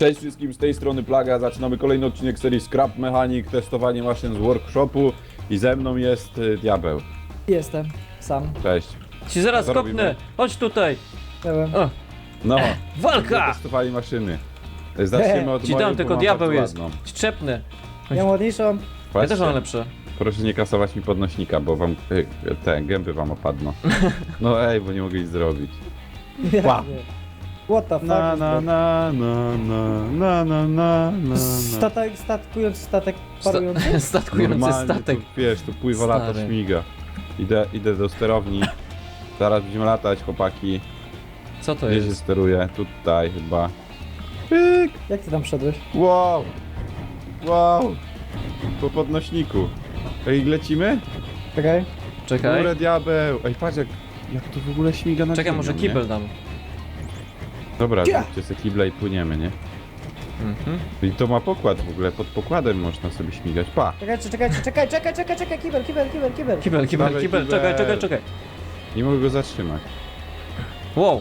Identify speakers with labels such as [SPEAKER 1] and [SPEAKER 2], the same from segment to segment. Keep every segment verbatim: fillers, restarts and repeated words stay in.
[SPEAKER 1] Cześć wszystkim, z tej strony Plaga, zaczynamy kolejny odcinek serii Scrap Mechanic, testowanie maszyn z workshopu i ze mną jest y, Diabeł.
[SPEAKER 2] Jestem, sam.
[SPEAKER 1] Cześć.
[SPEAKER 3] Ci zaraz
[SPEAKER 1] Co
[SPEAKER 3] kopnę!
[SPEAKER 1] robimy?
[SPEAKER 3] Chodź tutaj!
[SPEAKER 2] Nie wiem.
[SPEAKER 3] O,
[SPEAKER 1] No,
[SPEAKER 3] walka!
[SPEAKER 1] testowali maszyny. Zaczniemy od
[SPEAKER 3] Ci
[SPEAKER 1] mojej,
[SPEAKER 3] dam,
[SPEAKER 1] bo
[SPEAKER 3] tylko
[SPEAKER 1] mam
[SPEAKER 3] diabeł
[SPEAKER 1] bardzo
[SPEAKER 3] jest.
[SPEAKER 1] ładną.
[SPEAKER 3] Ci trzepnę.
[SPEAKER 2] Ja ładniejszą.
[SPEAKER 3] Ja
[SPEAKER 1] Patrzcie,
[SPEAKER 3] też mam lepsze.
[SPEAKER 1] proszę nie kasować mi podnośnika, bo wam y, te gęby wam opadną. No ej, bo nie mogę nic zrobić. Pa.
[SPEAKER 2] What the fuck
[SPEAKER 1] Na
[SPEAKER 2] is
[SPEAKER 1] na
[SPEAKER 2] that?
[SPEAKER 1] na na na na na na na.
[SPEAKER 2] Statek, statkujący statek
[SPEAKER 3] Sta
[SPEAKER 2] parujący?
[SPEAKER 3] statkujący
[SPEAKER 1] Normalnie
[SPEAKER 3] statek.
[SPEAKER 1] Tu, wiesz, tu pływa, lata,
[SPEAKER 3] Stary.
[SPEAKER 1] śmiga. Idę, idę do sterowni. Zaraz będziemy latać, chłopaki.
[SPEAKER 3] Co to
[SPEAKER 1] Gdzie się
[SPEAKER 3] jest?
[SPEAKER 1] steruje? Tutaj chyba. Pyk!
[SPEAKER 2] Jak ty tam wszedłeś?
[SPEAKER 1] Wow! Wow! Po podnośniku. Ej, lecimy?
[SPEAKER 2] Czekaj.
[SPEAKER 3] Czekaj.
[SPEAKER 1] Górę diabeł! Ej, patrz jak, jak to w ogóle śmiga na
[SPEAKER 3] Czekaj,
[SPEAKER 1] ziemią,
[SPEAKER 3] może
[SPEAKER 1] nie?
[SPEAKER 3] kibel dam.
[SPEAKER 1] Dobra,
[SPEAKER 2] Cia!
[SPEAKER 1] zróbcie sobie kible i płyniemy, nie?
[SPEAKER 3] Mhm.
[SPEAKER 1] I to ma pokład w ogóle, pod pokładem można sobie śmigać. Pa!
[SPEAKER 2] Czekaj, czekaj, czekaj, czekaj, czekaj, czekaj, kibel, kibel, kibel, kibel.
[SPEAKER 3] Kibel, kibel,
[SPEAKER 1] Dawaj,
[SPEAKER 3] kibel,
[SPEAKER 1] kibel.
[SPEAKER 3] czekaj, czekaj, czekaj.
[SPEAKER 1] Nie mogę go zatrzymać.
[SPEAKER 3] Wow,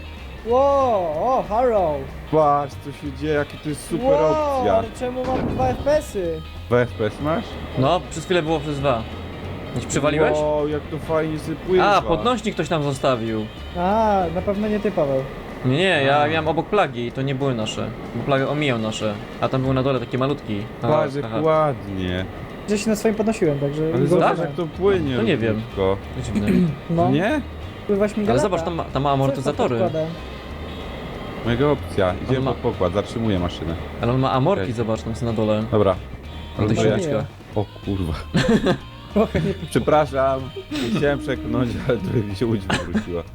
[SPEAKER 2] Wow, o, Harrow.
[SPEAKER 1] Patrz, co się dzieje, jaka to jest super
[SPEAKER 2] wow,
[SPEAKER 1] opcja.
[SPEAKER 2] ale czemu mam dwa F P S y?
[SPEAKER 1] dwa F P S masz?
[SPEAKER 3] no, przez chwilę było przez dwa. Gdzieś przywaliłeś?
[SPEAKER 1] Wow, jak to fajnie sobie pływa.
[SPEAKER 3] A, podnośnik ktoś tam zostawił.
[SPEAKER 2] A, na pewno nie ty, Paweł.
[SPEAKER 3] Nie, nie,
[SPEAKER 1] A.
[SPEAKER 3] ja miałem obok plagi i to nie były nasze. Bo plaga omijał nasze. A tam był na dole taki malutki. Aha,
[SPEAKER 1] Patrz, jak
[SPEAKER 3] aha.
[SPEAKER 1] ładnie.
[SPEAKER 2] Gdzieś się na swoim podnosiłem, także...
[SPEAKER 1] Ale
[SPEAKER 2] go
[SPEAKER 1] zobacz,
[SPEAKER 2] używam.
[SPEAKER 1] jak to płynie.
[SPEAKER 3] To nie wiem.
[SPEAKER 1] równiutko.
[SPEAKER 3] Dziwne.
[SPEAKER 2] No,
[SPEAKER 1] Nie?
[SPEAKER 2] pływa śmiga
[SPEAKER 3] Ale
[SPEAKER 2] lata.
[SPEAKER 3] zobacz, tam ma, tam ma
[SPEAKER 2] Co
[SPEAKER 3] amortyzatory.
[SPEAKER 2] jest pod podkładem?
[SPEAKER 1] Mega opcja. Idziemy
[SPEAKER 3] ma-
[SPEAKER 1] pod pokład, zatrzymuję maszynę.
[SPEAKER 3] Ale on ma amorki,
[SPEAKER 1] Okej.
[SPEAKER 3] zobacz, tam są na dole.
[SPEAKER 1] Dobra.
[SPEAKER 3] Na tych
[SPEAKER 1] Ląduję.
[SPEAKER 2] nie.
[SPEAKER 3] silniczkach.
[SPEAKER 1] O kurwa.
[SPEAKER 2] Trochę nie...
[SPEAKER 1] Przepraszam. Nie chciałem przeklnąć, ale tu mi się łódź wywróciła.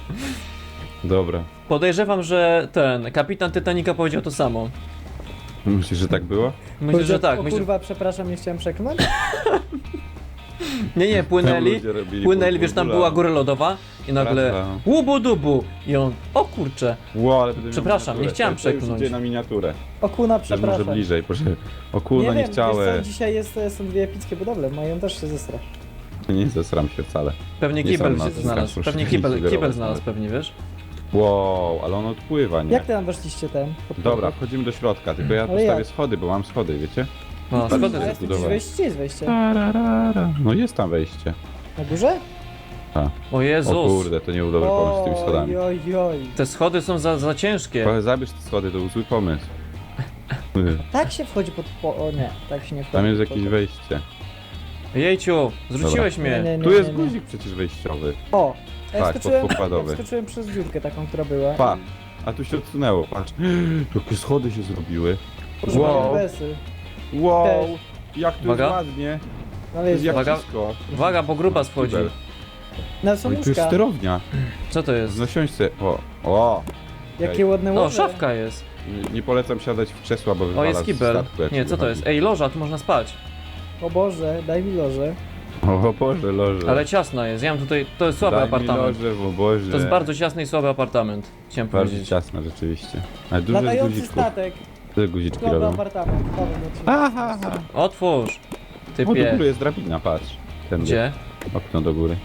[SPEAKER 1] Dobra.
[SPEAKER 3] Podejrzewam, że ten kapitan Titanica powiedział to samo.
[SPEAKER 1] Myślisz, że tak było?
[SPEAKER 3] Myślę, że tak.
[SPEAKER 2] O
[SPEAKER 3] Myślę...
[SPEAKER 2] kurwa, przepraszam, nie chciałem przeknąć.
[SPEAKER 3] Nie, nie,
[SPEAKER 1] Tam
[SPEAKER 3] płynęli.
[SPEAKER 1] ludzie robili
[SPEAKER 3] Płynęli, wiesz, tam
[SPEAKER 1] bula.
[SPEAKER 3] była góra lodowa i nagle
[SPEAKER 1] Prawda.
[SPEAKER 3] łubu dubu i on, o kurcze,
[SPEAKER 1] Wow, ale będę miał
[SPEAKER 3] Przepraszam,
[SPEAKER 1] miniaturę.
[SPEAKER 3] nie chciałem
[SPEAKER 1] To- to już
[SPEAKER 3] przeklnąć.
[SPEAKER 1] idzie na miniaturę.
[SPEAKER 2] Okuna,
[SPEAKER 1] Też może
[SPEAKER 2] przepraszam.
[SPEAKER 1] bliżej, proszę. O kurwa, nie,
[SPEAKER 2] nie wiem, wiesz
[SPEAKER 1] chciałem.
[SPEAKER 2] co, dzisiaj jest, są dwie epickie budowle, mają też się zesrać.
[SPEAKER 1] Nie zesram się wcale.
[SPEAKER 3] pewnie
[SPEAKER 1] Nie
[SPEAKER 3] kibel
[SPEAKER 1] są na
[SPEAKER 3] się
[SPEAKER 1] to,
[SPEAKER 3] znalazł,
[SPEAKER 1] proszę
[SPEAKER 3] pewnie
[SPEAKER 1] nie
[SPEAKER 3] kibel,
[SPEAKER 1] sugerować
[SPEAKER 3] kibel
[SPEAKER 1] nawet.
[SPEAKER 3] znalazł pewnie, wiesz?
[SPEAKER 1] Wow, ale on odpływa, nie?
[SPEAKER 2] Jak ty tam weszliście ten? pod
[SPEAKER 1] Dobra,
[SPEAKER 2] pokład?
[SPEAKER 1] wchodzimy do środka, tylko ja
[SPEAKER 2] Ale
[SPEAKER 1] postawię
[SPEAKER 2] jak?
[SPEAKER 1] schody, bo mam schody, wiecie?
[SPEAKER 3] No, schody.
[SPEAKER 2] Ale jest tu gdzieś
[SPEAKER 1] zbudować.
[SPEAKER 2] wejście, gdzie jest wejście?
[SPEAKER 1] Tararara. No jest tam wejście.
[SPEAKER 2] Na górze?
[SPEAKER 3] O
[SPEAKER 1] O
[SPEAKER 3] Jezus,
[SPEAKER 1] kurde, to nie był dobry pomysł z tymi schodami.
[SPEAKER 2] Oj, oj, oj.
[SPEAKER 3] te schody są za, za ciężkie.
[SPEAKER 1] Ale zabierz te schody, to był zły pomysł.
[SPEAKER 2] Tak się wchodzi pod... Po... O nie, tak się nie wchodzi.
[SPEAKER 1] Tam jest
[SPEAKER 2] pod
[SPEAKER 1] jakieś
[SPEAKER 2] pokład.
[SPEAKER 1] wejście.
[SPEAKER 3] Jejciu, zrzuciłeś
[SPEAKER 2] Nie,
[SPEAKER 3] mnie.
[SPEAKER 2] nie, nie,
[SPEAKER 1] Tu jest
[SPEAKER 2] nie, nie.
[SPEAKER 1] guzik przecież wejściowy.
[SPEAKER 2] O! Ja
[SPEAKER 1] Tak,
[SPEAKER 2] skoczyłem,
[SPEAKER 1] podpokładowy.
[SPEAKER 2] ja skoczyłem przez dziurkę taką, która była.
[SPEAKER 1] Pa, a tu się odsunęło, patrz. Jakie schody się zrobiły.
[SPEAKER 2] Proszę
[SPEAKER 1] Wow.
[SPEAKER 2] wow. besy.
[SPEAKER 1] Wow,
[SPEAKER 2] Cześć.
[SPEAKER 1] jak to
[SPEAKER 3] Uwaga.
[SPEAKER 1] jest ładnie.
[SPEAKER 2] No
[SPEAKER 1] To
[SPEAKER 2] ale
[SPEAKER 1] jest
[SPEAKER 2] jest...
[SPEAKER 1] jak
[SPEAKER 3] Uwaga.
[SPEAKER 1] wszystko.
[SPEAKER 3] Uwaga, bo gruba schodzi.
[SPEAKER 1] Kibel.
[SPEAKER 2] Na są
[SPEAKER 1] No i tu jest
[SPEAKER 2] łóżka.
[SPEAKER 1] sterownia.
[SPEAKER 3] Co to jest?
[SPEAKER 1] Znosiąść se. O, o.
[SPEAKER 2] Jakie ładne
[SPEAKER 3] No,
[SPEAKER 2] łoże.
[SPEAKER 3] szafka jest.
[SPEAKER 1] Nie, nie polecam siadać w krzesła, bo
[SPEAKER 3] O,
[SPEAKER 1] wywala
[SPEAKER 3] jest
[SPEAKER 1] z
[SPEAKER 3] kibel.
[SPEAKER 1] statku, jak
[SPEAKER 3] Nie,
[SPEAKER 1] się
[SPEAKER 3] co to
[SPEAKER 1] wychodzi.
[SPEAKER 3] jest? Ej, loża, tu można spać.
[SPEAKER 2] O Boże, daj mi loże.
[SPEAKER 1] O Boże, loże.
[SPEAKER 3] Ale ciasna jest, ja mam tutaj, to jest słaby
[SPEAKER 1] Daj
[SPEAKER 3] apartament.
[SPEAKER 1] Mi loże, o Boże.
[SPEAKER 3] To jest bardzo ciasny i słaby apartament, chciałem
[SPEAKER 1] Bardzo
[SPEAKER 3] powiedzieć.
[SPEAKER 1] ciasno, rzeczywiście. Ale dużo jest
[SPEAKER 2] Latający
[SPEAKER 1] guziczków.
[SPEAKER 2] statek.
[SPEAKER 1] Te guziczki
[SPEAKER 2] Słaby
[SPEAKER 1] robią.
[SPEAKER 2] apartament. Powiem ci.
[SPEAKER 1] Aha, aha.
[SPEAKER 3] Otwórz,
[SPEAKER 1] O, do
[SPEAKER 3] typie.
[SPEAKER 1] góry jest drabina, patrz. Tędy.
[SPEAKER 3] Gdzie?
[SPEAKER 1] Okno do góry.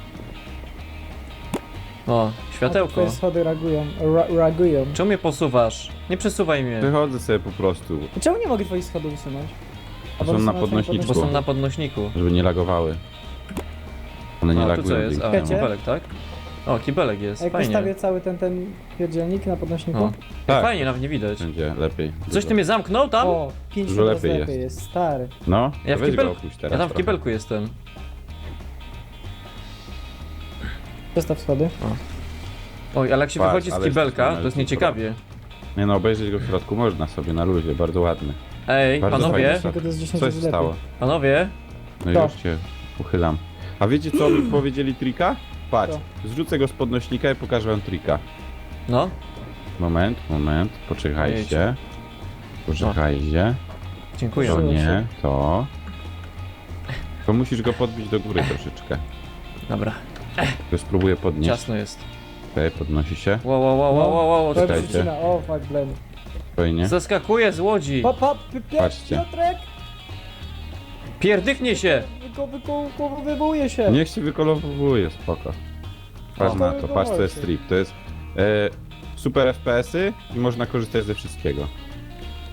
[SPEAKER 3] O,
[SPEAKER 2] A
[SPEAKER 3] światełko.
[SPEAKER 2] twoje schody reagują. Ra reagują.
[SPEAKER 3] Czemu mnie posuwasz? Nie przesuwaj mnie,
[SPEAKER 1] Wychodzę sobie po prostu,
[SPEAKER 2] Czemu nie mogę twoich schodów usunąć?
[SPEAKER 1] Bo są
[SPEAKER 2] Albo
[SPEAKER 1] na
[SPEAKER 2] usunąć
[SPEAKER 1] podnośniczku.
[SPEAKER 3] bo
[SPEAKER 2] twoje
[SPEAKER 3] są na podnośniku.
[SPEAKER 1] żeby nie lagowały. One nie
[SPEAKER 3] A, tu
[SPEAKER 1] lagują.
[SPEAKER 3] co jest? A,
[SPEAKER 1] dzięki temu.
[SPEAKER 3] kibelek, tak? O, kibelek jest,
[SPEAKER 2] A jak
[SPEAKER 3] fajnie.
[SPEAKER 2] postawię cały ten, ten pierdzielnik na podnośniku?
[SPEAKER 3] O,
[SPEAKER 1] Tak.
[SPEAKER 3] fajnie, nawet nie widać.
[SPEAKER 1] Będzie lepiej.
[SPEAKER 3] Coś ty mnie zamknął tam?
[SPEAKER 2] O, pięć
[SPEAKER 1] Dużo
[SPEAKER 2] razy
[SPEAKER 1] lepiej
[SPEAKER 2] lepiej jest. stary.
[SPEAKER 1] No,
[SPEAKER 3] Ja
[SPEAKER 1] to
[SPEAKER 3] w
[SPEAKER 1] weź
[SPEAKER 3] kibelku-
[SPEAKER 1] go opuść teraz
[SPEAKER 3] Ja tam w
[SPEAKER 1] trochę.
[SPEAKER 3] kibelku jestem.
[SPEAKER 2] Przestaw schody.
[SPEAKER 3] Oj, ale jak się
[SPEAKER 1] Patrz,
[SPEAKER 3] wychodzi z
[SPEAKER 1] ale
[SPEAKER 3] kibelka,
[SPEAKER 1] jesteśmy
[SPEAKER 3] to jest
[SPEAKER 1] na
[SPEAKER 3] nieciekawie.
[SPEAKER 1] Nie no, obejrzeć go w środku można sobie, na luzie, bardzo ładny.
[SPEAKER 3] Ej,
[SPEAKER 1] Bardzo
[SPEAKER 3] panowie,
[SPEAKER 1] fajnie.
[SPEAKER 2] Tylko to jest dziesięć
[SPEAKER 1] Co
[SPEAKER 2] razy
[SPEAKER 1] się stało?
[SPEAKER 2] lepiej.
[SPEAKER 3] panowie,
[SPEAKER 1] No i
[SPEAKER 2] To.
[SPEAKER 1] już cię uchylam. A wiecie co mi powiedzieli trika? Patrz,
[SPEAKER 2] Co?
[SPEAKER 1] zrzucę go z podnośnika i pokażę wam trika.
[SPEAKER 3] no,
[SPEAKER 1] Moment, moment, poczekajcie. Poczekajcie.
[SPEAKER 3] dziękuję.
[SPEAKER 1] To
[SPEAKER 2] Proszę.
[SPEAKER 1] nie, to. To musisz go podbić do góry troszeczkę.
[SPEAKER 3] Dobra,
[SPEAKER 1] To spróbuję podnieść.
[SPEAKER 3] ciasno jest.
[SPEAKER 1] Okej, podnosi się.
[SPEAKER 3] Wow, wow, wow, wow, wow, wow.
[SPEAKER 2] To
[SPEAKER 1] Czekajcie.
[SPEAKER 2] przycina. O, fuck, blend.
[SPEAKER 1] Fajnie.
[SPEAKER 3] Zaskakuje z łodzi.
[SPEAKER 2] Pop, pop, pi- pi-
[SPEAKER 1] Patrzcie.
[SPEAKER 2] Piotrek!
[SPEAKER 3] Pierdyknie się.
[SPEAKER 2] Wyko, wyko, wywołuje się.
[SPEAKER 1] Niech się wykolorowuje, spoko. Patrz
[SPEAKER 3] O.
[SPEAKER 1] na to, patrz co jest strip. To jest e, super F P S y i można korzystać ze wszystkiego.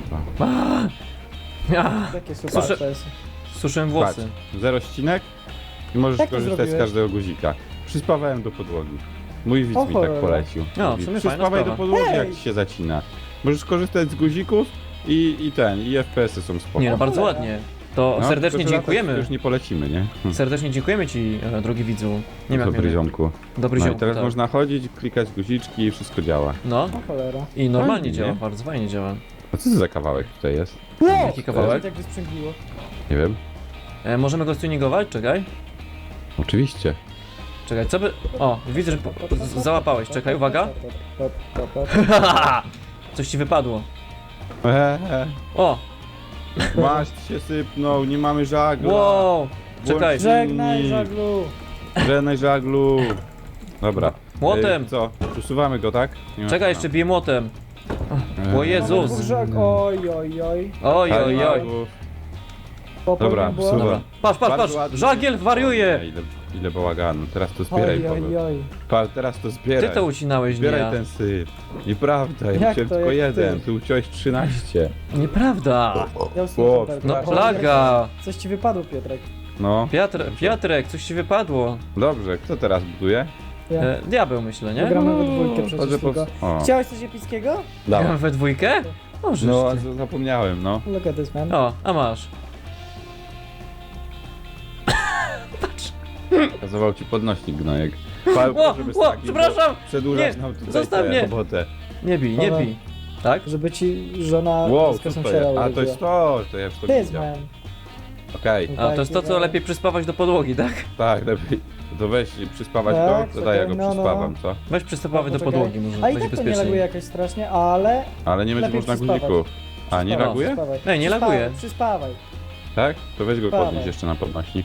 [SPEAKER 3] Ah,
[SPEAKER 2] Takie super
[SPEAKER 3] Słyszę-
[SPEAKER 2] to jest.
[SPEAKER 3] suszyłem
[SPEAKER 1] Patrz,
[SPEAKER 3] włosy.
[SPEAKER 1] zero ścinek i możesz
[SPEAKER 2] Jak to
[SPEAKER 1] korzystać z
[SPEAKER 2] zrobiłeś?
[SPEAKER 1] każdego guzika. Przyspawałem do podłogi. Mój widz
[SPEAKER 2] O
[SPEAKER 1] mi tak
[SPEAKER 2] cholera.
[SPEAKER 1] polecił.
[SPEAKER 3] No, w
[SPEAKER 1] Mówi,
[SPEAKER 3] sumie fajna
[SPEAKER 1] przyspawaj do
[SPEAKER 3] sprawa.
[SPEAKER 1] podłogi,
[SPEAKER 2] Hej!
[SPEAKER 1] jak ci się zacina. Możesz korzystać z guzików i, i ten, i F P S-y są spoko.
[SPEAKER 3] Nie no, bardzo
[SPEAKER 2] cholera.
[SPEAKER 3] ładnie. To
[SPEAKER 1] No,
[SPEAKER 3] serdecznie
[SPEAKER 1] tylko, że latać
[SPEAKER 3] dziękujemy.
[SPEAKER 1] Już nie polecimy, nie? Hm.
[SPEAKER 3] Serdecznie dziękujemy ci, e, drogi widzu. Nie wiem jak
[SPEAKER 1] Dobry
[SPEAKER 3] miałem-
[SPEAKER 1] ziomku.
[SPEAKER 3] Dobry
[SPEAKER 1] No i
[SPEAKER 3] ziomku,
[SPEAKER 1] teraz
[SPEAKER 3] tak.
[SPEAKER 1] można chodzić, klikać guziczki i wszystko działa.
[SPEAKER 3] No
[SPEAKER 2] O cholera.
[SPEAKER 3] i normalnie
[SPEAKER 1] Fajnie,
[SPEAKER 3] działa,
[SPEAKER 1] nie?
[SPEAKER 3] bardzo fajnie działa.
[SPEAKER 1] A co to za kawałek tutaj jest?
[SPEAKER 3] Jaki kawałek?
[SPEAKER 2] Jak wysprzęgliło.
[SPEAKER 1] Nie wiem.
[SPEAKER 3] E, możemy go stuningować? Czekaj.
[SPEAKER 1] Oczywiście.
[SPEAKER 3] Czekaj, co by... O, widzę, że po- z- załapałeś. Czekaj, uwaga. Coś ci wypadło.
[SPEAKER 1] Eee,
[SPEAKER 3] O,
[SPEAKER 1] maść się sypnął, nie mamy żagla.
[SPEAKER 3] wow. Czekaj,
[SPEAKER 1] Włącz-
[SPEAKER 2] Żegnaj,
[SPEAKER 1] Inni.
[SPEAKER 2] żaglu.
[SPEAKER 1] Żegnaj żaglu. Dobra.
[SPEAKER 3] Młotem.
[SPEAKER 1] Ej, co? Usuwamy go, tak? Nie ma-
[SPEAKER 3] czekaj, jeszcze biję młotem.
[SPEAKER 1] Eee,
[SPEAKER 3] O
[SPEAKER 2] Mamy
[SPEAKER 3] Jezus.
[SPEAKER 2] dwóch żag... Oj, oj, oj.
[SPEAKER 3] Oj, oj, oj.
[SPEAKER 1] żagów.
[SPEAKER 2] Popełnił
[SPEAKER 1] Dobra,
[SPEAKER 2] błąd.
[SPEAKER 1] super.
[SPEAKER 3] Dobra. Patrz, patrz,
[SPEAKER 1] Bardzo
[SPEAKER 3] patrz.
[SPEAKER 1] ładnie.
[SPEAKER 3] Żagiel wariuje.
[SPEAKER 1] Ile, ile bałaganu. Teraz to zbieraj,
[SPEAKER 2] Oj, oj,
[SPEAKER 1] Paweł.
[SPEAKER 2] oj.
[SPEAKER 1] Pa, teraz to zbieraj.
[SPEAKER 3] Ty to ucinałeś, nie
[SPEAKER 1] Zbieraj
[SPEAKER 3] ja.
[SPEAKER 1] ten syp. Nieprawda, ja
[SPEAKER 2] Jak
[SPEAKER 1] musiałem
[SPEAKER 2] to,
[SPEAKER 1] tylko
[SPEAKER 2] jak ty?
[SPEAKER 1] jeden. Ty uciąłeś trzynaście.
[SPEAKER 3] Nieprawda.
[SPEAKER 2] Ja
[SPEAKER 1] O,
[SPEAKER 2] usłyszałem tak.
[SPEAKER 3] No
[SPEAKER 2] O,
[SPEAKER 3] plaga.
[SPEAKER 2] Coś ci wypadło, Piotrek.
[SPEAKER 1] No,
[SPEAKER 3] Piotr, Piotrek, coś ci wypadło.
[SPEAKER 1] dobrze. Kto teraz buduje?
[SPEAKER 2] Ja.
[SPEAKER 3] E, diabeł myślę, nie?
[SPEAKER 2] Gramy we dwójkę przecież
[SPEAKER 1] Chodzę po...
[SPEAKER 2] tylko.
[SPEAKER 1] O,
[SPEAKER 2] Chciałeś coś epickiego?
[SPEAKER 1] dawaj.
[SPEAKER 3] Gramy we dwójkę? O, żeż
[SPEAKER 1] No, a
[SPEAKER 3] ty.
[SPEAKER 1] z- zapomniałem, no.
[SPEAKER 2] Look at this, man.
[SPEAKER 3] O, a masz.
[SPEAKER 1] Kazował ci podnośnik gnojek. Paweł,
[SPEAKER 3] O,
[SPEAKER 1] proszę bez
[SPEAKER 3] o,
[SPEAKER 1] takich,
[SPEAKER 3] przepraszam.
[SPEAKER 1] bo Przedłużasz
[SPEAKER 3] Nie,
[SPEAKER 1] nam tutaj
[SPEAKER 3] zostaw
[SPEAKER 1] tę
[SPEAKER 3] mnie.
[SPEAKER 1] robotę.
[SPEAKER 3] Nie bij, nie
[SPEAKER 2] Dobra.
[SPEAKER 3] bij. Tak?
[SPEAKER 2] Żeby ci żona
[SPEAKER 1] Wow,
[SPEAKER 2] z kosą
[SPEAKER 1] super.
[SPEAKER 2] siera
[SPEAKER 1] A to
[SPEAKER 2] urodziła.
[SPEAKER 1] jest to, to ja już to
[SPEAKER 2] This,
[SPEAKER 1] widział.
[SPEAKER 2] man.
[SPEAKER 1] Okej,
[SPEAKER 3] A to jest to, co lepiej przyspawać do podłogi, tak?
[SPEAKER 1] tak, lepiej. To weź przyspawać
[SPEAKER 2] Tak,
[SPEAKER 1] go, to daj ja go
[SPEAKER 2] czekaj, no, no.
[SPEAKER 1] przyspawam, co?
[SPEAKER 3] Weź przystawamy do
[SPEAKER 2] Poczekaj.
[SPEAKER 3] podłogi, może
[SPEAKER 2] A i
[SPEAKER 3] będzie
[SPEAKER 2] tak to nie laguje
[SPEAKER 3] bezpieczniej.
[SPEAKER 2] jakoś strasznie, ale...
[SPEAKER 1] Ale nie będzie
[SPEAKER 2] Lepiej
[SPEAKER 1] można
[SPEAKER 2] przyspawać.
[SPEAKER 1] guzików. A, nie
[SPEAKER 2] Przyspawaj,
[SPEAKER 1] laguje?
[SPEAKER 2] przyspawaj.
[SPEAKER 3] Ej, nie
[SPEAKER 2] Przyspawaj,
[SPEAKER 3] laguje.
[SPEAKER 2] Przyspawaj.
[SPEAKER 1] Tak? To weź go
[SPEAKER 2] Przyspawaj.
[SPEAKER 1] podnieść jeszcze na podnośnik.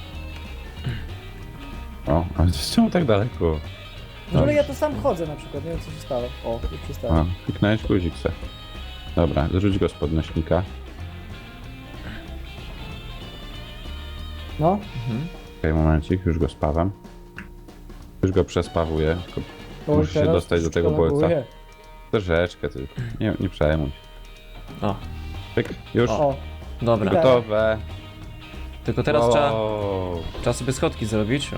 [SPEAKER 1] O, ale czemu tak daleko?
[SPEAKER 2] W ogóle ja tu sam chodzę na przykład, nie wiem co się stało. O, już
[SPEAKER 1] A,
[SPEAKER 2] przestałem.
[SPEAKER 1] kliknąłeś guzik se. Dobra, zrzuć go z podnośnika.
[SPEAKER 2] No,
[SPEAKER 3] Mhm.
[SPEAKER 1] Okej, momencik, już go spawam. Już go przespawuję, tylko
[SPEAKER 2] Oj,
[SPEAKER 1] Muszę się
[SPEAKER 2] teraz
[SPEAKER 1] dostać do
[SPEAKER 2] troszeczkę
[SPEAKER 1] tego bolca.
[SPEAKER 2] laguje.
[SPEAKER 1] troszeczkę tylko. Nie, nie przejmuj się.
[SPEAKER 3] O,
[SPEAKER 1] Pyk, już.
[SPEAKER 2] O,
[SPEAKER 3] dobra.
[SPEAKER 2] Widać.
[SPEAKER 1] Gotowe.
[SPEAKER 3] Tylko teraz
[SPEAKER 1] Wow.
[SPEAKER 3] trzeba, trzeba sobie schodki zrobić. O.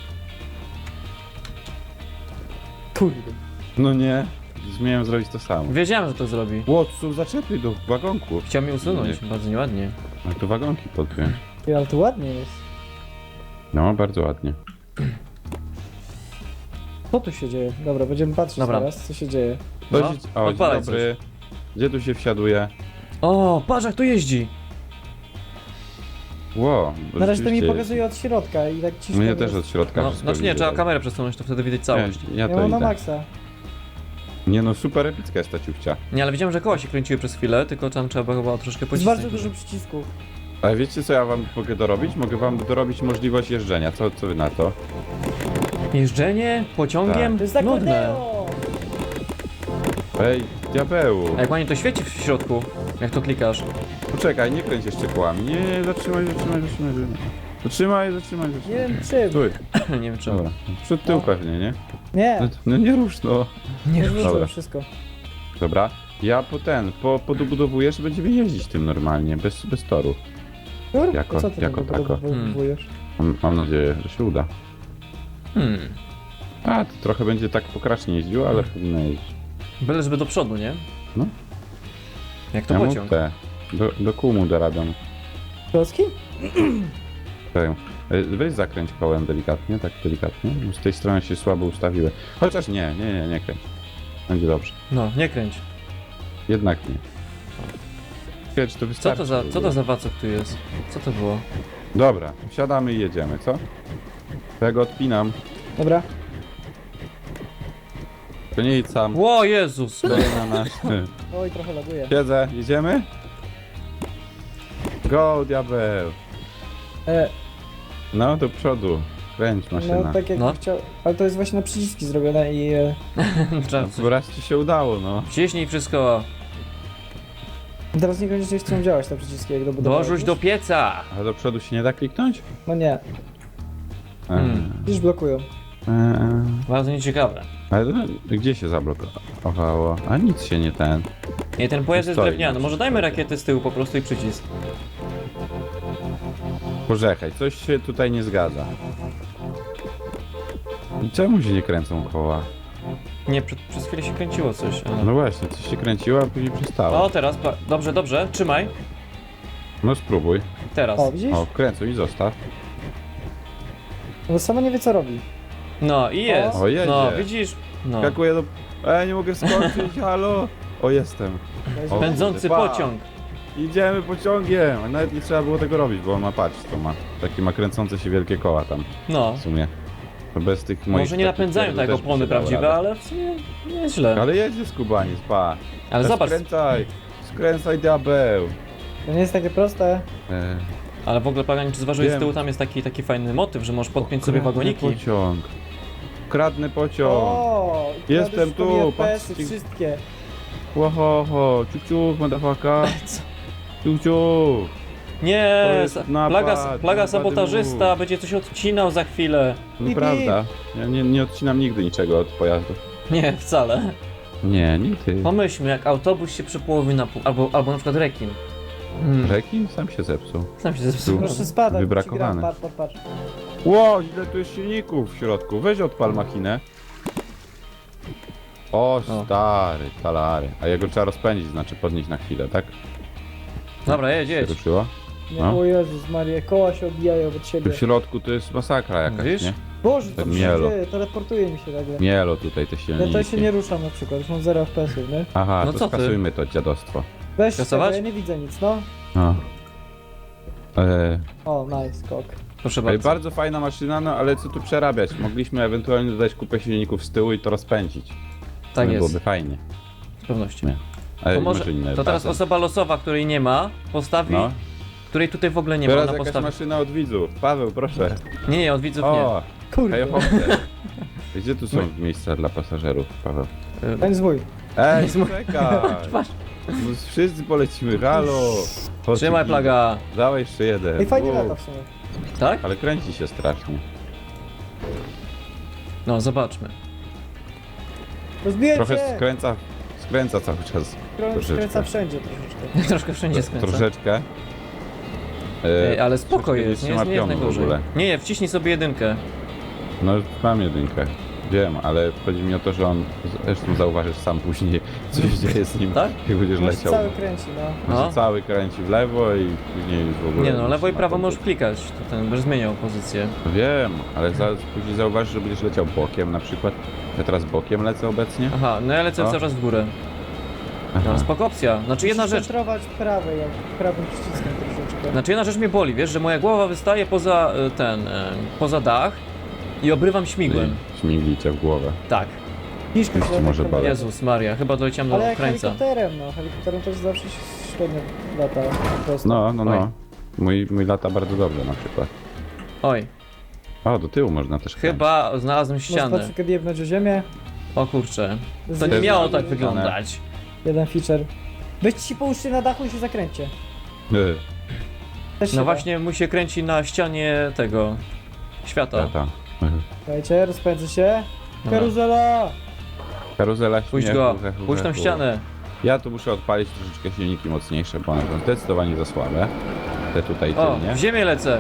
[SPEAKER 2] kurde.
[SPEAKER 1] No nie, zmiałem zrobić to samo.
[SPEAKER 3] Wiedziałem, że to zrobi.
[SPEAKER 1] Ło, tu są zaczepy do wagonków.
[SPEAKER 3] Chciał mnie usunąć, bardzo nieładnie.
[SPEAKER 1] No tu wagonki podpiąć.
[SPEAKER 2] Ty, ale to ładnie jest.
[SPEAKER 1] No, bardzo ładnie.
[SPEAKER 2] Co tu się dzieje? Dobra, będziemy patrzeć
[SPEAKER 3] Dobra.
[SPEAKER 2] teraz, co się dzieje.
[SPEAKER 3] No,
[SPEAKER 1] Dość, o, dzień
[SPEAKER 3] odpalaj
[SPEAKER 1] dobry. Gdzie tu się wsiaduje?
[SPEAKER 3] O, patrz jak to jeździ.
[SPEAKER 1] Ło, bo
[SPEAKER 2] Na razie to mi
[SPEAKER 1] rzeczywiście
[SPEAKER 2] pokazuje od środka i tak
[SPEAKER 1] jest.
[SPEAKER 2] ciśnie.
[SPEAKER 1] Mnie
[SPEAKER 2] po
[SPEAKER 1] też
[SPEAKER 2] prostu.
[SPEAKER 1] od środka
[SPEAKER 3] No,
[SPEAKER 1] wszystko
[SPEAKER 3] znaczy nie,
[SPEAKER 1] widzę.
[SPEAKER 3] trzeba kamerę przesunąć, to wtedy widać całość.
[SPEAKER 1] Nie, ja
[SPEAKER 2] Ja
[SPEAKER 1] to
[SPEAKER 2] mam na
[SPEAKER 1] idę.
[SPEAKER 2] maksa.
[SPEAKER 1] Nie no, super epicka jest ta ciuchcia.
[SPEAKER 3] Nie, ale widziałem, że koła się kręciły przez chwilę, tylko tam trzeba chyba troszkę
[SPEAKER 2] Z
[SPEAKER 3] pocisnąć.
[SPEAKER 2] bardzo dużo przycisków.
[SPEAKER 1] Ale wiecie co ja wam mogę dorobić? Mogę wam dorobić możliwość jeżdżenia. Co, co wy na to?
[SPEAKER 3] Jeżdżenie pociągiem?
[SPEAKER 2] To jest
[SPEAKER 3] Nudne.
[SPEAKER 2] akordeo!
[SPEAKER 1] Ej, diabełu.
[SPEAKER 3] A jak ładnie to świeci w środku, jak to klikasz.
[SPEAKER 1] Poczekaj, nie kręć jeszcze kołami. Nie, nie, zatrzymaj, zatrzymaj, zatrzymaj. Zatrzymaj, zatrzymaj,
[SPEAKER 2] Nie
[SPEAKER 1] zatrzymaj.
[SPEAKER 2] wiem czym.
[SPEAKER 1] Stój.
[SPEAKER 3] Nie wiem czemu.
[SPEAKER 1] Dobra. Przód tył
[SPEAKER 2] No.
[SPEAKER 1] pewnie, nie?
[SPEAKER 2] Nie,
[SPEAKER 1] No, no nie rusz, no.
[SPEAKER 3] Nie
[SPEAKER 2] nie
[SPEAKER 3] wiem.
[SPEAKER 1] Dobra.
[SPEAKER 2] wróciłem wszystko.
[SPEAKER 1] Dobra. Ja po ten, po, podobudowuję, że będziemy jeździć tym normalnie, bez, bez toru.
[SPEAKER 2] Kur?
[SPEAKER 1] Jako-
[SPEAKER 2] co ty
[SPEAKER 1] jako
[SPEAKER 2] tam
[SPEAKER 1] tako.
[SPEAKER 2] wywołujesz?
[SPEAKER 1] Mam, mam nadzieję, że się uda.
[SPEAKER 3] Hmm.
[SPEAKER 1] A, to trochę będzie tak pokracznie jeździł, ale powinno jeździć.
[SPEAKER 3] Byle żeby do przodu, nie?
[SPEAKER 1] No.
[SPEAKER 3] Jak to
[SPEAKER 1] Ja mu
[SPEAKER 3] pociąg.
[SPEAKER 1] te, do, do kół mu dorabiam.
[SPEAKER 2] Klocki?
[SPEAKER 1] Tak. E, Weź zakręć kołem delikatnie, tak delikatnie. Bo z tej strony się słabo ustawiły. Chociaż nie, nie, nie, nie kręć. Będzie dobrze.
[SPEAKER 3] No, nie kręć.
[SPEAKER 1] Jednak nie. Ciekawe, czy to
[SPEAKER 3] Co
[SPEAKER 1] wystarczy.
[SPEAKER 3] to za,
[SPEAKER 1] w
[SPEAKER 3] co
[SPEAKER 1] ogóle.
[SPEAKER 3] to za wacok tu jest? Co to było?
[SPEAKER 1] Dobra, wsiadamy i jedziemy, co? To ja go odpinam.
[SPEAKER 2] Dobra.
[SPEAKER 1] To nie idź sam.
[SPEAKER 3] Ło, Jezus!
[SPEAKER 1] Stoi na nas.
[SPEAKER 2] Oj, trochę laguje.
[SPEAKER 1] Siedzę, jedziemy? Go, diabeł.
[SPEAKER 2] E,
[SPEAKER 1] No, do przodu. Kręć maszyna.
[SPEAKER 2] no tak jak
[SPEAKER 3] No.
[SPEAKER 2] chciał... Ale to jest właśnie na przyciski zrobione i... E,
[SPEAKER 3] Trzeba
[SPEAKER 1] No, raz ci się udało, no.
[SPEAKER 3] wciśnij wszystko.
[SPEAKER 2] teraz niekoniecznie chcą działać te przyciski jak dobudowałeś.
[SPEAKER 3] Dorzuć do pieca!
[SPEAKER 1] Ale do przodu się nie da kliknąć?
[SPEAKER 2] No nie,
[SPEAKER 3] Hmm.
[SPEAKER 2] już blokują.
[SPEAKER 1] Eee,
[SPEAKER 3] Bardzo nieciekawe.
[SPEAKER 1] ale to, gdzie się zablokowało? A nic się nie ten.
[SPEAKER 3] Nie, ten pojazd jest
[SPEAKER 1] Stoi.
[SPEAKER 3] drewniany. Może dajmy rakiety z tyłu po prostu i przycisk.
[SPEAKER 1] Poczekaj, coś się tutaj nie zgadza. I czemu się nie kręcą koła?
[SPEAKER 3] Nie, przed, przez chwilę się kręciło coś, ale...
[SPEAKER 1] No właśnie, coś się kręciło, a później przestało.
[SPEAKER 3] O, teraz, pa... dobrze, dobrze, trzymaj.
[SPEAKER 1] No spróbuj.
[SPEAKER 3] Teraz.
[SPEAKER 2] O, widzisz?
[SPEAKER 1] O, kręcuj i zostaw.
[SPEAKER 2] No sama nie wie co robi.
[SPEAKER 3] No i jest.
[SPEAKER 1] O, jedzie.
[SPEAKER 3] No, widzisz? No.
[SPEAKER 1] Skakuję do... Ej, nie mogę skoczyć, halo! O, jestem. O,
[SPEAKER 3] Pędzący
[SPEAKER 1] pa.
[SPEAKER 3] pociąg.
[SPEAKER 1] Idziemy pociągiem! A nawet nie trzeba było tego robić, bo on ma, patrz, to ma. Takie ma kręcące się wielkie koła tam,
[SPEAKER 3] No.
[SPEAKER 1] w sumie. To bez tych moich...
[SPEAKER 3] Może nie
[SPEAKER 1] takich
[SPEAKER 3] napędzają
[SPEAKER 1] pierdół
[SPEAKER 3] tak jak
[SPEAKER 1] też by
[SPEAKER 3] opony
[SPEAKER 1] się dało
[SPEAKER 3] prawdziwe,
[SPEAKER 1] radę.
[SPEAKER 3] ale w sumie nie jest źle.
[SPEAKER 1] Ale jedzie skubaniec, pa.
[SPEAKER 3] Ale
[SPEAKER 1] Teraz
[SPEAKER 3] zobacz,
[SPEAKER 1] Skręcaj! Skręcaj, diabeł!
[SPEAKER 2] To nie jest takie proste.
[SPEAKER 1] E,
[SPEAKER 3] ale w ogóle Plagan, czy zważyłeś z
[SPEAKER 1] Wiem.
[SPEAKER 3] tyłu tam jest taki, taki fajny motyw, że możesz podpiąć sobie
[SPEAKER 1] kradnę
[SPEAKER 3] wagoniki.
[SPEAKER 1] pociąg. Kradnę pociąg.
[SPEAKER 2] O, i
[SPEAKER 1] Jestem
[SPEAKER 2] kradłeś sobie
[SPEAKER 1] tu,
[SPEAKER 2] F P S-y
[SPEAKER 1] patrzcie.
[SPEAKER 2] wszystkie.
[SPEAKER 1] Ło, ho, ciup, ciup, motherfucker.
[SPEAKER 3] Co?
[SPEAKER 1] Ciup, ciup.
[SPEAKER 3] Nie,
[SPEAKER 1] To jest
[SPEAKER 3] sa-
[SPEAKER 1] napad,
[SPEAKER 3] plaga, plaga
[SPEAKER 1] napad
[SPEAKER 3] sabotażysta,
[SPEAKER 1] dwóch.
[SPEAKER 3] będzie coś odcinał za chwilę.
[SPEAKER 1] Nieprawda. Ja nie, nie odcinam nigdy niczego od pojazdu.
[SPEAKER 3] Nie, wcale.
[SPEAKER 1] Nie, nigdy.
[SPEAKER 3] Pomyślmy, jak autobus się przepołowi na pół, albo, albo na przykład rekin. Hmm,
[SPEAKER 1] Rekin sam się zepsuł.
[SPEAKER 3] sam się zepsuł.
[SPEAKER 2] Proszę spadać,
[SPEAKER 1] Wybrakowany.
[SPEAKER 2] patrz, patrz, patrz.
[SPEAKER 1] Ło, ile tu jest silników w środku. Weź odpal machinę. O, stary, talary. A jego trzeba rozpędzić, znaczy podnieść na chwilę, tak?
[SPEAKER 3] Dobra, jedź,
[SPEAKER 1] Się
[SPEAKER 3] jedź.
[SPEAKER 1] ruszyło?
[SPEAKER 2] Nie,
[SPEAKER 1] No.
[SPEAKER 2] o Jezus Maria, koła się odbijają od
[SPEAKER 1] Tu
[SPEAKER 2] siebie.
[SPEAKER 1] w środku to jest masakra jakaś,
[SPEAKER 3] Widzisz?
[SPEAKER 1] nie?
[SPEAKER 2] Boże, co
[SPEAKER 1] Tak
[SPEAKER 2] tu się
[SPEAKER 1] mielo.
[SPEAKER 2] dzieje? Teleportuje mi się nagle.
[SPEAKER 1] Mielo tutaj te
[SPEAKER 2] Ja
[SPEAKER 1] silniki.
[SPEAKER 2] to się nie ruszam na przykład, już mam zero F P S-ów, nie?
[SPEAKER 1] Aha,
[SPEAKER 3] No
[SPEAKER 1] to
[SPEAKER 3] co ty?
[SPEAKER 1] skasujmy to dziadostwo.
[SPEAKER 2] Weź
[SPEAKER 3] Kasować?
[SPEAKER 2] tego, ja nie widzę nic, no.
[SPEAKER 1] No. E,
[SPEAKER 2] O, nice, skok.
[SPEAKER 3] Proszę
[SPEAKER 1] Ej,
[SPEAKER 3] bardzo.
[SPEAKER 1] bardzo fajna maszyna, no ale co tu przerabiać? Mogliśmy ewentualnie dodać kupę silników z tyłu i to rozpędzić.
[SPEAKER 3] Tak
[SPEAKER 1] No,
[SPEAKER 3] jest,
[SPEAKER 1] byłoby fajnie.
[SPEAKER 3] z pewnością.
[SPEAKER 1] Nie. Ale
[SPEAKER 3] To, może,
[SPEAKER 1] może inne
[SPEAKER 3] to teraz
[SPEAKER 1] basen.
[SPEAKER 3] osoba losowa, której nie ma, postawi,
[SPEAKER 1] No.
[SPEAKER 3] której tutaj w ogóle nie ma,
[SPEAKER 1] Teraz
[SPEAKER 3] ona
[SPEAKER 1] jakaś
[SPEAKER 3] postawi.
[SPEAKER 1] maszyna od widzów. Paweł, proszę.
[SPEAKER 3] Nie, nie, od widzów nie.
[SPEAKER 1] O,
[SPEAKER 2] Kurde,
[SPEAKER 1] hejofowce. Gdzie tu są miejsca dla pasażerów, Paweł?
[SPEAKER 3] Y,
[SPEAKER 2] ten zwój.
[SPEAKER 1] Ej, czekaj!
[SPEAKER 3] Patrz.
[SPEAKER 1] No, wszyscy polecimy, halo! Chodź,
[SPEAKER 3] Trzymaj
[SPEAKER 1] Kiki.
[SPEAKER 3] plaga.
[SPEAKER 1] Dawaj jeszcze jeden.
[SPEAKER 2] Ej, fajnie
[SPEAKER 1] Wow.
[SPEAKER 2] lata w sumie.
[SPEAKER 3] Tak?
[SPEAKER 1] Ale kręci się strasznie.
[SPEAKER 3] No, zobaczmy.
[SPEAKER 2] Rozbiję
[SPEAKER 1] Trochę
[SPEAKER 2] się!
[SPEAKER 1] skręca, skręca cały czas.
[SPEAKER 2] Krą-
[SPEAKER 1] troszeczkę.
[SPEAKER 2] Skręca wszędzie troszeczkę.
[SPEAKER 3] Troszkę wszędzie skręca.
[SPEAKER 1] Troszeczkę.
[SPEAKER 3] Ej,
[SPEAKER 1] E,
[SPEAKER 3] ale spoko
[SPEAKER 1] troszeczkę
[SPEAKER 3] jest, nie
[SPEAKER 1] trzyma
[SPEAKER 3] jest, nie jest
[SPEAKER 1] pionu w
[SPEAKER 3] najgorzej.
[SPEAKER 1] ogóle.
[SPEAKER 3] Nie, nie, wciśnij sobie jedynkę.
[SPEAKER 1] No mam jedynkę. Wiem, ale chodzi mi o to, że on, zresztą zauważysz sam później, co się dzieje z nim,
[SPEAKER 3] Tak?
[SPEAKER 1] jak będziesz
[SPEAKER 2] Może
[SPEAKER 1] leciał.
[SPEAKER 2] cały kręci, no.
[SPEAKER 1] On się
[SPEAKER 3] No.
[SPEAKER 1] cały kręci w lewo i później już w ogóle...
[SPEAKER 3] Nie no, lewo i
[SPEAKER 1] ma
[SPEAKER 3] prawo
[SPEAKER 1] tam
[SPEAKER 3] możesz
[SPEAKER 1] być.
[SPEAKER 3] klikać, to ten będziesz zmieniał pozycję.
[SPEAKER 1] Wiem, ale za, później zauważysz, że będziesz leciał bokiem na przykład. Ja teraz bokiem lecę obecnie.
[SPEAKER 3] Aha, no ja lecę
[SPEAKER 1] O.
[SPEAKER 3] cały czas w górę.
[SPEAKER 1] Aha.
[SPEAKER 3] No, spoko opcja. Znaczy jedna
[SPEAKER 2] Musisz
[SPEAKER 3] rzecz,
[SPEAKER 2] centrować prawy, jak prawym przyciskiem troszeczkę.
[SPEAKER 3] znaczy jedna rzecz mnie boli, wiesz, że moja głowa wystaje poza y, ten, y, poza dach i obrywam śmigłem.
[SPEAKER 1] I śmigli cię w głowę.
[SPEAKER 3] Tak.
[SPEAKER 2] Kiszkę
[SPEAKER 1] Już ci może boleć.
[SPEAKER 3] Jezus Maria, chyba doleciałem do
[SPEAKER 2] Ale jak
[SPEAKER 3] krańca.
[SPEAKER 2] helikopterem, no. Helikopterem też zawsze się średnio lata po prostu.
[SPEAKER 1] No, no,
[SPEAKER 3] Oj.
[SPEAKER 1] no. Mój, mój lata bardzo dobrze na przykład.
[SPEAKER 3] Oj,
[SPEAKER 1] O, do tyłu można też kręcić.
[SPEAKER 3] chyba znalazłem
[SPEAKER 2] Można
[SPEAKER 3] ścianę.
[SPEAKER 2] troszkę jebnąć o ziemię.
[SPEAKER 3] O kurczę, to
[SPEAKER 2] Zjeść
[SPEAKER 3] nie miało
[SPEAKER 1] znalazłem
[SPEAKER 3] tak
[SPEAKER 1] ścianę.
[SPEAKER 3] wyglądać.
[SPEAKER 2] jeden feature. Weźcie się połóżcie na dachu i się zakręćcie.
[SPEAKER 1] Y,
[SPEAKER 2] Też się
[SPEAKER 3] No
[SPEAKER 2] da.
[SPEAKER 3] właśnie, mu się kręci na ścianie tego świata.
[SPEAKER 1] Lata.
[SPEAKER 2] Słuchajcie, rozpędzę się.
[SPEAKER 3] Dobra.
[SPEAKER 2] Karuzela!
[SPEAKER 1] Karuzela
[SPEAKER 3] Puść
[SPEAKER 1] śmiechu,
[SPEAKER 3] go,
[SPEAKER 1] hechu,
[SPEAKER 3] puść tą
[SPEAKER 1] hechu.
[SPEAKER 3] ścianę.
[SPEAKER 1] Ja tu muszę odpalić troszeczkę silniki mocniejsze, bo one są zdecydowanie za słabe. Te tutaj
[SPEAKER 3] O,
[SPEAKER 1] tylnie.
[SPEAKER 3] w ziemię lecę.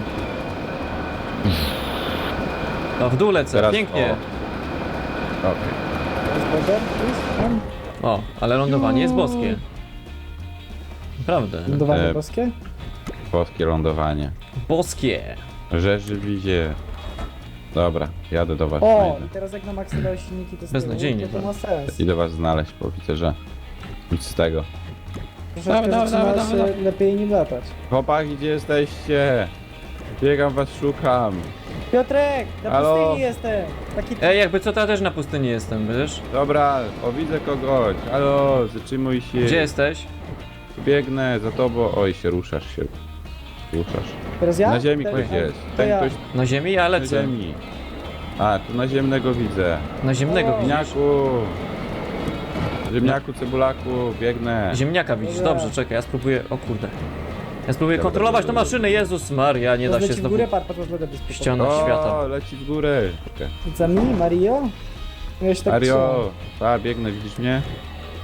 [SPEAKER 3] No, w dół lecę,
[SPEAKER 1] Teraz-
[SPEAKER 3] pięknie.
[SPEAKER 1] o. Okej.
[SPEAKER 2] Jest border? Jest? Tam?
[SPEAKER 3] O, ale lądowanie jest
[SPEAKER 2] Juuu.
[SPEAKER 3] boskie. Naprawdę.
[SPEAKER 2] Lądowanie
[SPEAKER 1] E,
[SPEAKER 2] boskie?
[SPEAKER 1] Boskie lądowanie.
[SPEAKER 3] Boskie.
[SPEAKER 1] Rzeży widzie. Dobra, jadę do was.
[SPEAKER 2] O!
[SPEAKER 1] znajdę.
[SPEAKER 2] I teraz jak na maksie dałeś silniki, to z
[SPEAKER 3] Beznadziejnie,
[SPEAKER 2] tyłu, to, to ma sens.
[SPEAKER 1] Idę was znaleźć, bo widzę, że nic z tego.
[SPEAKER 2] Troszeczkę
[SPEAKER 3] Dawaj, dawaj,
[SPEAKER 2] zaczyna
[SPEAKER 3] dawaj,
[SPEAKER 2] się
[SPEAKER 3] dawaj.
[SPEAKER 2] lepiej nim latać.
[SPEAKER 1] Chłopaki, gdzie jesteście? Biegam was, szukam.
[SPEAKER 2] Piotrek! Na
[SPEAKER 1] Halo?
[SPEAKER 2] pustyni jestem! Taki...
[SPEAKER 3] Ej, jakby co, to ja też na pustyni jestem, wiesz?
[SPEAKER 1] Dobra, o widzę kogoś. Halo, zatrzymuj się.
[SPEAKER 3] Gdzie jesteś?
[SPEAKER 1] Biegnę za tobą. Oj, się ruszasz się. Ruszasz.
[SPEAKER 2] Teraz ja?
[SPEAKER 1] Na ziemi
[SPEAKER 2] Teraz-
[SPEAKER 1] ktoś jest.
[SPEAKER 2] to
[SPEAKER 1] Ten
[SPEAKER 2] ja.
[SPEAKER 1] ktoś
[SPEAKER 3] Na ziemi? Ja
[SPEAKER 1] na
[SPEAKER 3] lecę.
[SPEAKER 1] ziemi. A, tu naziemnego widzę.
[SPEAKER 3] Na ziemnego
[SPEAKER 2] O.
[SPEAKER 3] widzisz?
[SPEAKER 1] Ziemniaku. Ziemniaku, cebulaku, biegnę.
[SPEAKER 3] Ziemniaka widzisz,
[SPEAKER 2] Dobra.
[SPEAKER 3] dobrze, czekaj, ja spróbuję, o kurde. Ja spróbuję
[SPEAKER 1] Dobra,
[SPEAKER 3] kontrolować tę
[SPEAKER 1] dobra,
[SPEAKER 3] maszynę, Jezus Maria, nie da się
[SPEAKER 2] Leci w
[SPEAKER 3] znowu...
[SPEAKER 2] górę, patrz, patrz, patrz, patrz, patrz.
[SPEAKER 3] Ściana.
[SPEAKER 1] O,
[SPEAKER 3] świata.
[SPEAKER 1] leci w górę. Okay.
[SPEAKER 2] Za mi, Mario? Ja się tak
[SPEAKER 1] Mario,
[SPEAKER 2] trzymam.
[SPEAKER 1] a biegnę, widzisz mnie?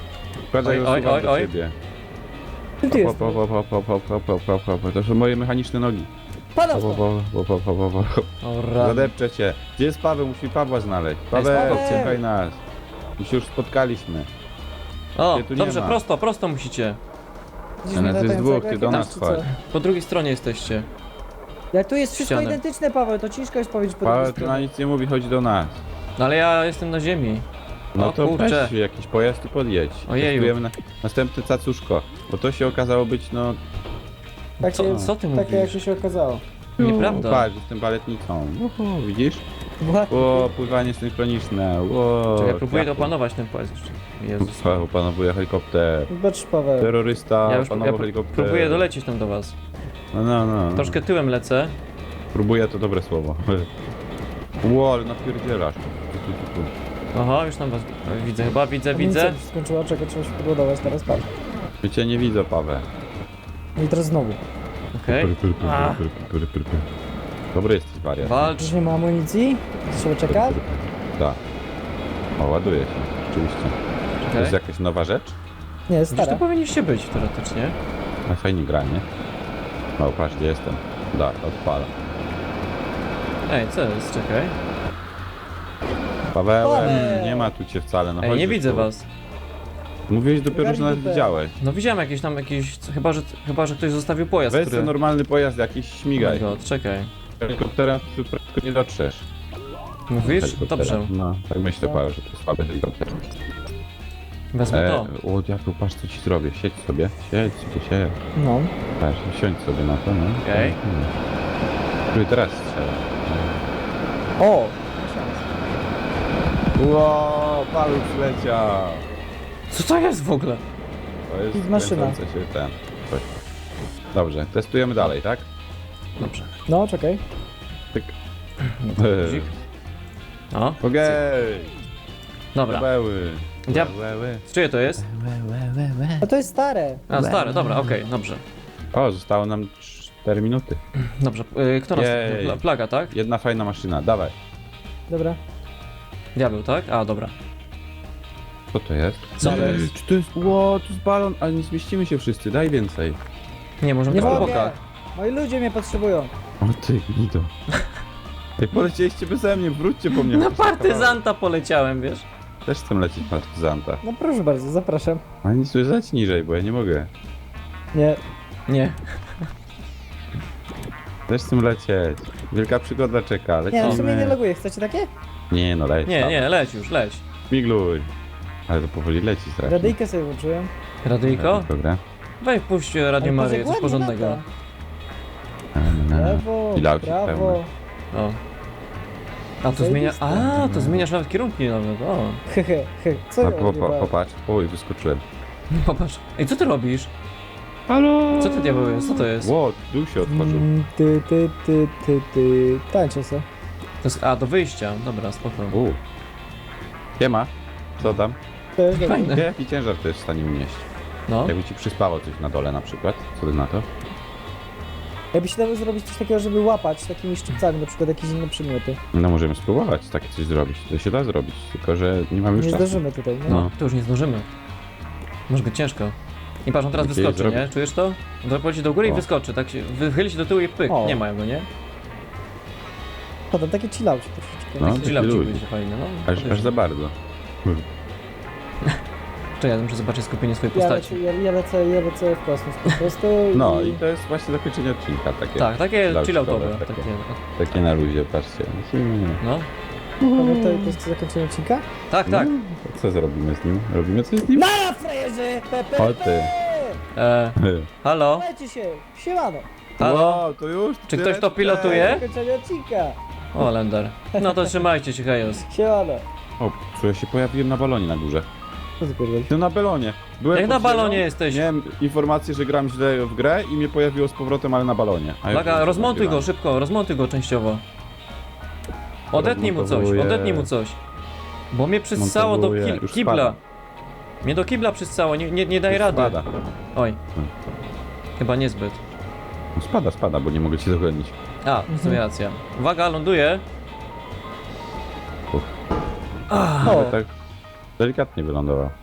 [SPEAKER 1] Składaj
[SPEAKER 3] Oj,
[SPEAKER 1] go
[SPEAKER 3] oj, oj,
[SPEAKER 1] do
[SPEAKER 3] oj.
[SPEAKER 1] ciebie.
[SPEAKER 2] Ty ty
[SPEAKER 1] Hop,
[SPEAKER 2] jesteś.
[SPEAKER 1] hop, hop, hop, hop, hop, hop, hop, hop, hop. To są moje mechaniczne nogi.
[SPEAKER 2] Padał
[SPEAKER 1] Hop, hop,
[SPEAKER 2] stąd.
[SPEAKER 1] hop, hop, hop, hop, hop.
[SPEAKER 3] O rany.
[SPEAKER 1] Zadepczę cię. Gdzie jest Paweł? Musi Pawła znaleźć.
[SPEAKER 3] Paweł.
[SPEAKER 1] Paweł, czekaj nas. My się już spotkaliśmy.
[SPEAKER 3] O,
[SPEAKER 1] Cię tu nie
[SPEAKER 3] dobrze,
[SPEAKER 1] ma.
[SPEAKER 3] prosto, prosto musicie.
[SPEAKER 2] Widzisz
[SPEAKER 1] Ale
[SPEAKER 2] mnie
[SPEAKER 1] to jest
[SPEAKER 2] latającego
[SPEAKER 1] dwóch, ty do
[SPEAKER 2] jakiegoś,
[SPEAKER 1] nas
[SPEAKER 2] czy co?
[SPEAKER 1] chodź.
[SPEAKER 3] Po drugiej stronie jesteście.
[SPEAKER 2] Jak tu jest wszystko
[SPEAKER 3] Ścianę.
[SPEAKER 2] identyczne, Paweł, to ciężko jest powiedzieć po
[SPEAKER 1] Paweł
[SPEAKER 2] drugiej
[SPEAKER 1] to na
[SPEAKER 2] stronie.
[SPEAKER 1] nic nie mówi, chodź do nas.
[SPEAKER 3] No ale ja jestem na ziemi.
[SPEAKER 1] No
[SPEAKER 3] O
[SPEAKER 1] to
[SPEAKER 3] kurczę.
[SPEAKER 1] weź jakiś pojazd i podjedź.
[SPEAKER 3] Ojeju.
[SPEAKER 1] Testujemy na następny cacuszko. Bo to się okazało być, no...
[SPEAKER 2] Tak
[SPEAKER 3] Co,
[SPEAKER 2] się,
[SPEAKER 3] co ty
[SPEAKER 2] takie jak
[SPEAKER 3] mówisz?
[SPEAKER 2] się okazało.
[SPEAKER 3] Nieprawda.
[SPEAKER 1] Patrz, jestem baletnicą. Uhu, widzisz?
[SPEAKER 2] Ładnie.
[SPEAKER 1] O, pływanie synchroniczne. Ło,
[SPEAKER 3] Czekaj, próbuję
[SPEAKER 1] kwiaty.
[SPEAKER 3] opanować ten pojazd jeszcze. Jezus.
[SPEAKER 1] Paweł opanowuje helikopter.
[SPEAKER 2] Zobacz, Paweł.
[SPEAKER 1] Terrorysta
[SPEAKER 3] Ja już ja
[SPEAKER 1] opanował
[SPEAKER 3] pró-
[SPEAKER 1] helikopter.
[SPEAKER 3] próbuję dolecieć tam do was.
[SPEAKER 1] No, no, no.
[SPEAKER 3] Troszkę tyłem lecę.
[SPEAKER 1] Próbuję, to dobre słowo. Ło, ale napierdzielasz. Tu, tu, tu.
[SPEAKER 3] Oho, już tam was widzę chyba, widzę,
[SPEAKER 2] Amunicja
[SPEAKER 3] widzę.
[SPEAKER 2] mi się skończyła, czego trzeba się podładować, teraz patrz.
[SPEAKER 1] Ja cię nie widzę, Paweł.
[SPEAKER 2] No i teraz znowu.
[SPEAKER 3] Okej.
[SPEAKER 1] Pyr, pyr, pyr,
[SPEAKER 3] A.
[SPEAKER 1] pyr, pyr, pyr, pyr, pyr. Dobry jesteś, wariat.
[SPEAKER 3] Walcz.
[SPEAKER 2] Już nie ma amunicji? Trzeba czekać?
[SPEAKER 1] Tak. O, ładuje się, rzeczywiście. To jest
[SPEAKER 3] Okej.
[SPEAKER 1] jakaś nowa rzecz?
[SPEAKER 2] Nie, jest
[SPEAKER 3] Gdzieś tu
[SPEAKER 2] stara.
[SPEAKER 3] powinniście być teoretycznie.
[SPEAKER 1] No fajnie gra, nie? O, patrz, gdzie jestem. Da, odpala.
[SPEAKER 3] Ej, co jest? Czekaj.
[SPEAKER 1] Paweł,
[SPEAKER 2] Paweł!
[SPEAKER 1] nie ma tu cię wcale, no
[SPEAKER 3] Ej,
[SPEAKER 1] chodź
[SPEAKER 3] nie
[SPEAKER 1] już
[SPEAKER 3] widzę
[SPEAKER 1] tu.
[SPEAKER 3] was.
[SPEAKER 1] Mówiłeś dopiero, że
[SPEAKER 2] Ogarnij
[SPEAKER 1] nas
[SPEAKER 2] dupę.
[SPEAKER 1] widziałeś.
[SPEAKER 3] No widziałem jakieś tam jakieś. Chyba, że chyba, że ktoś zostawił pojazd,
[SPEAKER 1] Weź
[SPEAKER 3] który.
[SPEAKER 1] sobie normalny pojazd jakiś,
[SPEAKER 3] Oh my
[SPEAKER 1] śmigaj.
[SPEAKER 3] god, czekaj.
[SPEAKER 1] Helikopterem tu prędko nie dotrzesz.
[SPEAKER 3] Mówisz?
[SPEAKER 1] Helikopterem.
[SPEAKER 3] Dobrze.
[SPEAKER 1] No, tak myślę, Paweł, że to jest słaby helikopter.
[SPEAKER 3] Wezmę
[SPEAKER 1] E,
[SPEAKER 3] to.
[SPEAKER 1] o, diablu, patrz co ci zrobię. Siedź sobie, siedź sobie, siedź.
[SPEAKER 2] No.
[SPEAKER 1] Patrz, siądź sobie na to, no.
[SPEAKER 3] Okej.
[SPEAKER 1] Który teraz strzela.
[SPEAKER 2] O!
[SPEAKER 1] Ło, Paweł przyleciał.
[SPEAKER 3] Co to jest w ogóle?
[SPEAKER 1] To jest
[SPEAKER 2] I maszyna.
[SPEAKER 1] kręcące się ten, coś. Dobrze, testujemy dalej, tak?
[SPEAKER 3] Dobrze.
[SPEAKER 2] No, czekaj.
[SPEAKER 1] Tyk.
[SPEAKER 3] Guzik. O,
[SPEAKER 1] Okej.
[SPEAKER 3] dobra.
[SPEAKER 1] Paweły.
[SPEAKER 3] Ja-
[SPEAKER 1] Paweły.
[SPEAKER 3] Czyje to jest?
[SPEAKER 2] A to jest stare.
[SPEAKER 3] A, stare, dobra, okej, dobrze.
[SPEAKER 1] O, zostało nam cztery minuty.
[SPEAKER 3] Dobrze, y, kto nas...
[SPEAKER 1] Jej.
[SPEAKER 3] Pla- Plaga, tak?
[SPEAKER 1] Jedna fajna maszyna, dawaj.
[SPEAKER 2] Dobra.
[SPEAKER 3] Diabeł, tak? A, dobra.
[SPEAKER 1] Co to jest?
[SPEAKER 3] Co to
[SPEAKER 2] Balon.
[SPEAKER 3] jest?
[SPEAKER 1] Czy to jest... Ło, tu jest balon, ale nie zmieścimy się wszyscy, daj więcej.
[SPEAKER 3] Nie, możemy
[SPEAKER 2] Nie
[SPEAKER 3] też po
[SPEAKER 2] mogę!
[SPEAKER 3] bokach.
[SPEAKER 2] Moi ludzie mnie potrzebują.
[SPEAKER 1] O ty, gnido. Ej, polecieliście beze mnie, wróćcie po mnie.
[SPEAKER 3] Na
[SPEAKER 1] chociaż na
[SPEAKER 3] partyzanta poleciałem, wiesz?
[SPEAKER 1] kawałek. Też chcę lecieć partyzanta.
[SPEAKER 2] No proszę bardzo, zapraszam.
[SPEAKER 1] Ale nic tu leć niżej, bo ja nie mogę.
[SPEAKER 2] Nie.
[SPEAKER 3] Nie.
[SPEAKER 1] Też chcę lecieć. Wielka przygoda czeka,
[SPEAKER 2] Nie,
[SPEAKER 1] lecimy.
[SPEAKER 2] w sumie nie loguję. Chcecie takie?
[SPEAKER 1] Nie, no leć.
[SPEAKER 3] Nie,
[SPEAKER 1] tam.
[SPEAKER 3] nie, leć już, leć.
[SPEAKER 1] Migluj. Ale to powoli leci strasznie.
[SPEAKER 2] Radyjkę sobie włączyłem.
[SPEAKER 3] Radyjko?
[SPEAKER 1] Dobra.
[SPEAKER 3] Weź puść Radio
[SPEAKER 2] Ale patrz,
[SPEAKER 3] Maryję,
[SPEAKER 2] jak
[SPEAKER 3] coś
[SPEAKER 2] ładnie
[SPEAKER 3] porządnego.
[SPEAKER 2] lata.
[SPEAKER 1] No.
[SPEAKER 2] Lewo,
[SPEAKER 1] Pilaucik
[SPEAKER 2] prawo.
[SPEAKER 1] pełny.
[SPEAKER 3] O. A to zmienia... A, to zmieniasz nawet kierunki nawet, o.
[SPEAKER 2] Hehe, he. Co
[SPEAKER 1] A,
[SPEAKER 2] ja
[SPEAKER 1] po, po,
[SPEAKER 2] odjebałem?
[SPEAKER 1] popatrz. Oj, wyskoczyłem.
[SPEAKER 3] Popatrz. Ej, co ty robisz?
[SPEAKER 1] Halo!
[SPEAKER 3] Co ty diabeł jest? Co to jest?
[SPEAKER 1] Ło, dół się otworzył.
[SPEAKER 2] Mm, Ty, ty, ty, ty, ty. Tańczę se.
[SPEAKER 3] To jest... A, do wyjścia. Dobra, spoko.
[SPEAKER 1] U. Siema. Co tam?
[SPEAKER 2] To jest dobre.
[SPEAKER 3] Fajne.
[SPEAKER 1] Jaki ciężar to jest w stanie unieść?
[SPEAKER 3] No.
[SPEAKER 1] Jakby ci przyspało coś na dole na przykład. Co ty na to?
[SPEAKER 2] Jakby się dało zrobić coś takiego, żeby łapać takimi szczypcami, na przykład jakieś inne przedmioty.
[SPEAKER 1] No możemy spróbować takie coś zrobić. To się da zrobić, tylko że nie mamy już
[SPEAKER 2] Nie
[SPEAKER 1] czasu.
[SPEAKER 2] zdążymy tutaj, no.
[SPEAKER 3] No, to już nie zdążymy. Może być ciężko. I patrz, on teraz
[SPEAKER 1] Musieli
[SPEAKER 3] wyskoczy, nie?
[SPEAKER 1] zrobić.
[SPEAKER 3] Czujesz to? On poleci do góry i
[SPEAKER 1] O.
[SPEAKER 3] wyskoczy, tak się... Wychyli się do tyłu i pyk.
[SPEAKER 2] O.
[SPEAKER 3] Nie mają go, nie?
[SPEAKER 2] Potem takie chillaucie troszeczkę.
[SPEAKER 1] No.
[SPEAKER 3] Taki
[SPEAKER 1] taki
[SPEAKER 3] chillaucik
[SPEAKER 1] luźny.
[SPEAKER 3] będzie fajny, no.
[SPEAKER 1] Aż, aż za bardzo.
[SPEAKER 3] Czekaj, ja muszę zobaczyć skupienie swojej
[SPEAKER 2] Ja
[SPEAKER 3] postaci.
[SPEAKER 2] lecę, ja, ja, lecę, ja lecę w kosmos po prostu
[SPEAKER 1] No
[SPEAKER 2] i...
[SPEAKER 1] i to jest właśnie zakończenie odcinka takie.
[SPEAKER 3] Tak, takie
[SPEAKER 1] chillautowe,
[SPEAKER 3] chilloutowe.
[SPEAKER 1] takie.
[SPEAKER 3] Takie,
[SPEAKER 1] Takie na luzie, patrzcie.
[SPEAKER 3] no.
[SPEAKER 2] Paweł, to, to jest zakończenie odcinka?
[SPEAKER 3] Tak, tak.
[SPEAKER 1] To co zrobimy z nim? Robimy coś z nim?
[SPEAKER 2] Nara, frajerze! Pepe!
[SPEAKER 1] O ty.
[SPEAKER 3] E, halo?
[SPEAKER 2] Lecie się! Siemano!
[SPEAKER 3] Halo?
[SPEAKER 1] Wow, to już?
[SPEAKER 3] Czy ktoś to pilotuje?
[SPEAKER 2] Zakończenie odcinka!
[SPEAKER 3] O, Lender. No to trzymajcie się, hejos.
[SPEAKER 2] Siemano!
[SPEAKER 1] O, co ja się pojawiłem na balonie na górze.
[SPEAKER 2] Co ty pierdolisz?
[SPEAKER 1] No na balonie. Byłem
[SPEAKER 3] Jak na
[SPEAKER 1] pod ziemią,
[SPEAKER 3] balonie jesteś?
[SPEAKER 1] Miałem informację, że gram źle w grę i mnie pojawiło z powrotem, ale na balonie. A ja
[SPEAKER 3] Uwaga,
[SPEAKER 1] już
[SPEAKER 3] rozmontuj go
[SPEAKER 1] nagrywam.
[SPEAKER 3] szybko, rozmontuj go częściowo. Odetnij mu coś,
[SPEAKER 1] Rozmontowuję.
[SPEAKER 3] odetnij mu coś. Bo mnie przyssało do
[SPEAKER 1] Montowuję,
[SPEAKER 3] ki
[SPEAKER 1] już
[SPEAKER 3] kibla.
[SPEAKER 1] spada.
[SPEAKER 3] Mnie do kibla przyssało, nie, nie, nie daj
[SPEAKER 1] Już
[SPEAKER 3] rady.
[SPEAKER 1] Spada.
[SPEAKER 3] Oj.
[SPEAKER 1] Hmm.
[SPEAKER 3] Chyba niezbyt.
[SPEAKER 1] No spada, spada, bo nie mogę cię dogonić.
[SPEAKER 3] A, w sumie racja. Uwaga, ląduje.
[SPEAKER 1] Uff.
[SPEAKER 3] Ah,
[SPEAKER 2] O,
[SPEAKER 1] Ale tak delikatnie wylądował.